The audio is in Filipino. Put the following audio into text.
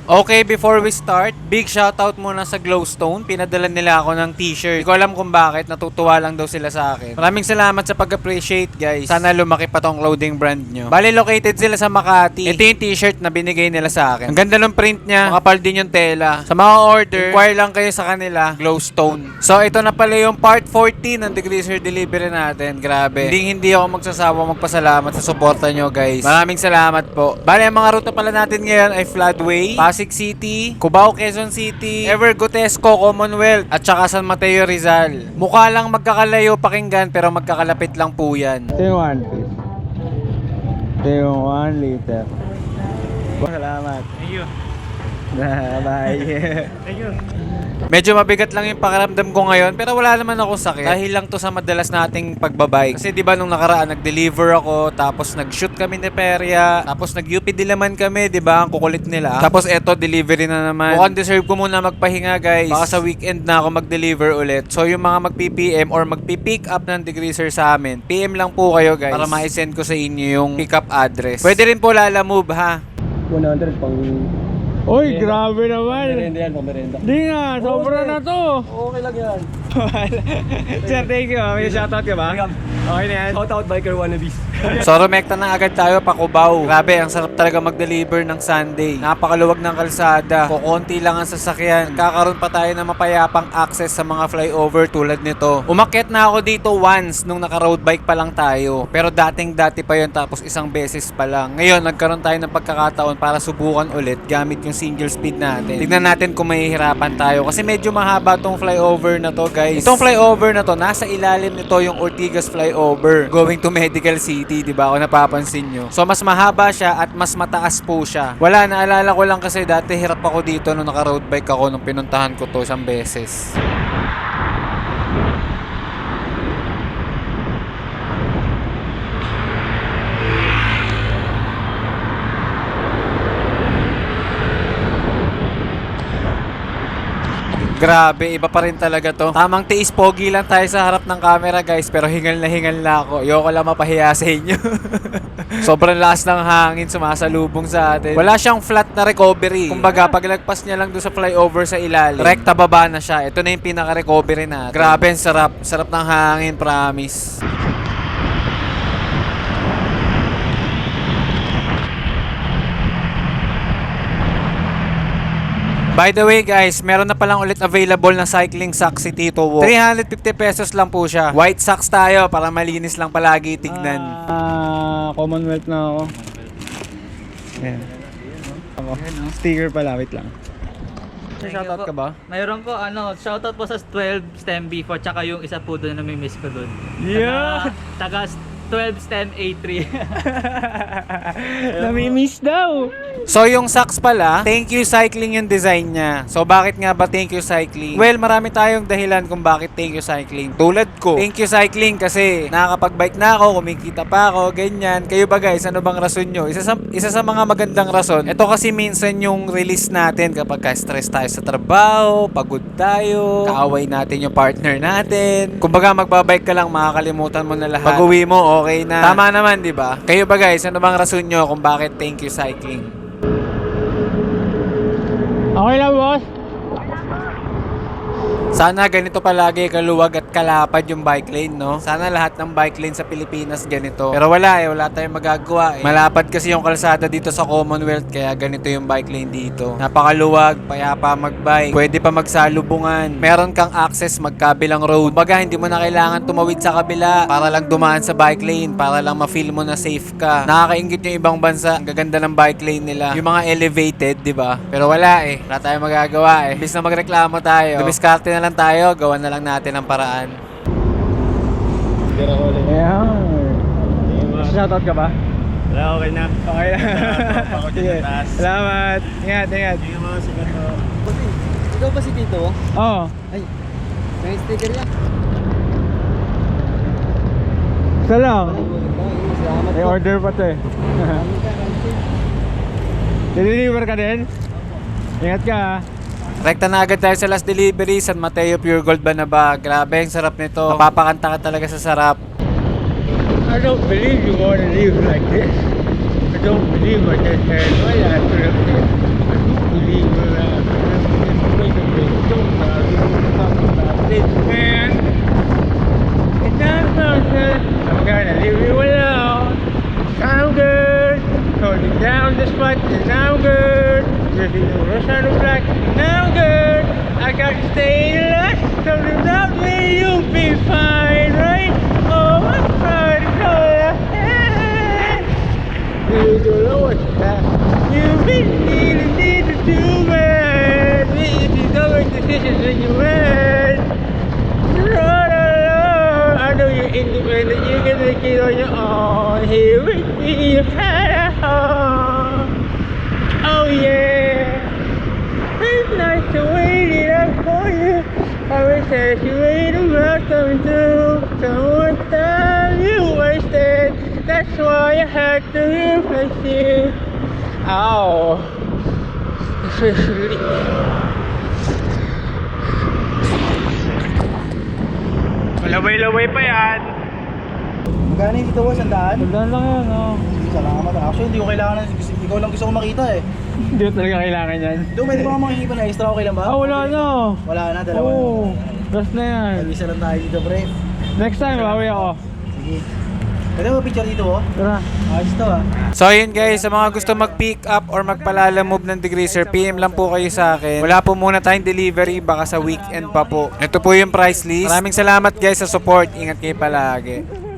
Okay, before we start, big shoutout muna sa Glowstone. Pinadala nila ako ng t-shirt. Hindi ko alam kung bakit, natutuwa lang daw sila sa akin. Maraming salamat sa pag-appreciate, guys. Sana lumaki pa tong clothing brand nyo. Bali, located sila sa Makati. Ito yung t-shirt na binigay nila sa akin. Ang ganda ng print niya, makapal din yung tela. Sa mga order, inquire lang kayo sa kanila, Glowstone. So, ito na pala yung part 14 ng Degreaser delivery natin. Grabe. Hindi ako magsasawa magpasalamat sa suporta nyo, guys. Maraming salamat po. Bali, ang mga ruta pala natin ngayon ay Floodway, Pasig City, Cubao, Quezon City, Evergotesco, Commonwealth, at saka San Mateo, Rizal. Mukha lang magkakalayo pakinggan pero magkakalapit lang po yan. Ito yung 1 piece. Ito yung 1 liter. Salamat. Thank you. Bye. Thank you. Medyo mabigat lang yung pakiramdam ko ngayon pero wala naman ako sakit. Dahil lang to sa madalas nating pagbabike. Kasi di ba nung nakaraan nag-deliver ako, tapos nag-shoot kami ni Peria, tapos nag-UP Diliman kami, di ba? Ang kukulit nila. Tapos eto, delivery na naman. Mukhang deserve ko muna magpahinga, guys. Baka sa weekend na ako mag-deliver ulit. So yung mga mag-PPM or mag-pick up ng Degreaser sa amin, PM lang po kayo, guys, para ma-send ko sa inyo yung pick-up address. Pwede rin po Lalamove, ha? 100 pang... Uy, grabe naman. Merenda yan, pang merenda. Di nga, sobra na to. Okay lang yan. Sir, thank you. May shoutout ka ba? Okay na yan. Shout out biker wannabes. So rumekta na agad tayo pa Cubao. Grabe, ang sarap talaga mag-deliver ng Sunday. Napakaluwag ng kalsada. Kukunti lang ang sasakyan. Kakaroon pa tayo ng mapayapang access sa mga flyover tulad nito. Umakyat na ako dito once nung naka-road bike pa lang tayo. Pero dating-dati pa yon, tapos isang beses pa lang. Ngayon, nagkaroon tayo ng pagkakataon para subukan ulit gamit yung single speed natin. Tignan natin kung mahihirapan tayo. Kasi medyo mahaba tong flyover na to, guys. Itong flyover na to, nasa ilalim nito yung Ortigas flyover going to Medical City, di ba? Kung napapansin nyo. So, mas mahaba siya at mas mataas po siya. Wala, naalala ko lang kasi dati hirap ako dito nung naka-road bike ako nung pinuntahan ko to isang beses. Grabe, iba pa rin talaga to. Tamang tiis, pogi lang tayo sa harap ng camera, guys. Pero hingal na ako. Ayoko lang mapahiya sa inyo. Sobrang lakas ng hangin sumasalubong sa atin. Wala siyang flat na recovery. Kumbaga, paglagpas niya lang doon sa flyover sa ilalim, rekta baba na siya. Ito na yung pinaka-recovery natin. Grabe, ang sarap. Sarap ng hangin, promise. By the way, guys, meron na palang ulit available na cycling socks si Tito Wo. 350 pesos lang po siya. White socks tayo para malinis lang palagi tignan. Commonwealth na ako. Ayan. Ako. Sticker pala, wait lang. Shoutout ka ba? Mayroon po, shoutout po sa 12 STEM B4 tsaka yung isa po doon na may miss ko doon. Yeah! Taga 12 STEM A3. Nami-miss daw! So yung socks pala, Thank You Cycling yung design niya. So bakit nga ba Thank You Cycling? Well, marami tayong dahilan kung bakit Thank You Cycling. Tulad ko, Thank You Cycling kasi nakakapag-bike na ako, kumikita pa ako, ganyan. Kayo ba, guys, ano bang rason nyo? Isa sa mga magandang rason. Ito kasi minsan yung release natin kapag stress tayo sa trabaho, pagod tayo, kaaway natin yung partner natin. Kumbaga magbabike ka lang, makakalimutan mo na lahat. Pag-uwi mo, okay na. Tama naman, di ba? Kayo ba, guys, ano bang rason nyo kung bakit Thank You Cycling? Okay lang, boss. Sana ganito palagi kaluwag at kalapad yung bike lane, no? Sana lahat ng bike lane sa Pilipinas ganito. Pero wala tayong magagawa eh. Malapad kasi yung kalsada dito sa Commonwealth kaya ganito yung bike lane dito. Napakaluwag, payapa magbike. Pwede pa magsalubungan. Meron kang access magkabilang road. Baga hindi mo na kailangan tumawid sa kabila para lang dumaan sa bike lane, para lang ma-feel mo na safe ka. Nakakaingit yung ibang bansa. Ang gaganda ng bike lane nila. Yung mga elevated, di ba? Pero wala eh. Wala tayong magagawa eh. Imbis na magreklamo tayo, dumiskarte na lang tayo, gawan na lang natin ang paraan. Ayan. Shoutout ka ba? Wala, okay na. Okay na. Sige. Salamat. Ingat. Hindi mga sikat to. Ikaw ba si Tito? Oo. Ay, may sticker niya. Isa lang. Salamat May po. order pa to eh. Deliver ka din? Ingat ka ha. Rekta na agad tayo sa last delivery, San Mateo Pure Gold Banaba. Grabe, ang sarap nito. Mapapakanta ka talaga sa sarap. I don't believe you want to live like this. I don't believe I just had my life. I do believe baby, the sun is black. Now I'm good. I got to stay last. So without me, you'll be fine, right? Oh, I'm trying to go ahead. You don't know what's that. You really need to do, man. If you don't make decisions, then you win. Run alone. I know you're independent. You can make it on your own. Here with me, you had a home. Oh yeah. It's nice to wait it up for you. I wish that you wait about coming through. So much time you wasted. That's why I had to replace you. Ow. Especially. Malaway-laway pa yan. Magkano yung dito boss? Sandaan? Tandaan lang yan, oh. Salamat. Actually, hindi ko kailangan. Ikaw lang gusto ko makita eh. Hindi ko talaga kailangan yan. Doon, pwede ba makikipan na extra? Okay lang ba? Ah, wala na. Wala na, dalawa na. Oo. Last na yan. Mag-isa lang tayo dito, pre. Next time, bawi ako. Sige. Pwede mo picture dito, oh? Tara. Ayos to, ah. So ayun guys, sa mga gusto mag-pick up or magpalala move ng degreaser, PM lang po kayo sa akin. Wala po muna tayong delivery, baka sa weekend pa po. Ito po yung price list. Maraming salamat guys sa support. Ingat kayo palagi.